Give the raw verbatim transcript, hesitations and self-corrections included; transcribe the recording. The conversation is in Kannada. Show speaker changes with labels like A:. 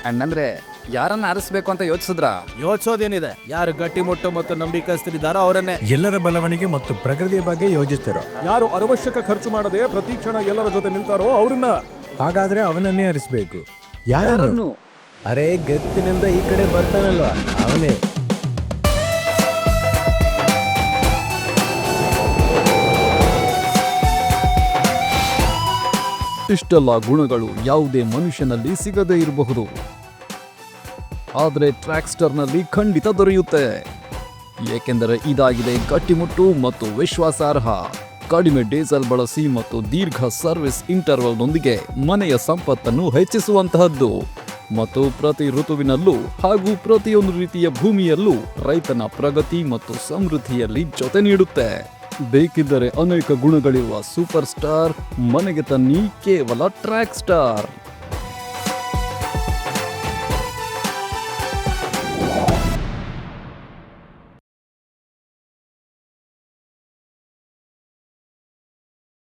A: ಅಣ್ಣಂದ್ರೆ ಯಾರನ್ನ ಆರಿಸ್ಬೇಕು ಅಂತ ಯೋಚಿಸಿದ್ರ?
B: ಯೋಚಿಸೋದೇನಿದೆ, ಯಾರು ಗಟ್ಟಿಮುಟ್ಟು ಮತ್ತು ನಂಬಿಕಸ್ಥರಿದ್ದಾರೋ ಅವರನ್ನೇ.
C: ಎಲ್ಲರ ಬೆಳವಣಿಗೆ ಮತ್ತು ಪ್ರಗತಿಯ ಬಗ್ಗೆ ಯೋಚಿಸ್ತಿರೋ,
D: ಯಾರು ಅನವಶ್ಯಕ ಖರ್ಚು ಮಾಡದೆ ಪ್ರತಿ ಕ್ಷಣ ಎಲ್ಲರ ಜೊತೆ ನಿಲ್ತಾರೋ ಅವ್ರನ್ನ.
C: ಹಾಗಾದ್ರೆ ಅವನನ್ನೇ ಅರಿಸ್ಬೇಕು. ಯಾರನ್ನು? ಅರೆ ಗತ್ತಿನಿಂದ ಈ ಕಡೆ ಬರ್ತಾನಲ್ವಾ, ಅವನೇ.
E: ಇಷ್ಟೆಲ್ಲ ಗುಣಗಳು ಯಾವುದೇ ಮನುಷ್ಯನಲ್ಲಿ ಸಿಗದೇ ಇರಬಹುದು, ಆದರೆ ಟ್ರ್ಯಾಕ್ಸ್ಟರ್ನಲ್ಲಿ ಖಂಡಿತ ದೊರೆಯುತ್ತೆ. ಏಕೆಂದರೆ ಇದಾಗಿದೆ ಗಟ್ಟಿಮುಟ್ಟು ಮತ್ತು ವಿಶ್ವಾಸಾರ್ಹ, ಕಡಿಮೆ ಡೀಸೆಲ್ ಬಳಸಿ ಮತ್ತು ದೀರ್ಘ ಸರ್ವಿಸ್ ಇಂಟರ್ವಲ್ನೊಂದಿಗೆ ಮನೆಯ ಸಂಪತ್ತನ್ನು ಹೆಚ್ಚಿಸುವಂತಹದ್ದು ಮತ್ತು ಪ್ರತಿ ಋತುವಿನಲ್ಲೂ ಹಾಗೂ ಪ್ರತಿಯೊಂದು ರೀತಿಯ ಭೂಮಿಯಲ್ಲೂ ರೈತನ ಪ್ರಗತಿ ಮತ್ತು ಸಮೃದ್ಧಿಯಲ್ಲಿ ಜೊತೆ ನೀಡುತ್ತೆ. ಬೇಕಿದ್ದರೆ ಅನೇಕ ಗುಣಗಳಿರುವ ಸೂಪರ್ ಸ್ಟಾರ್ ಮನೆಗೆ ತನ್ನಿ ಕೇವಲ ಟ್ರ್ಯಾಕ್ ಸ್ಟಾರ್.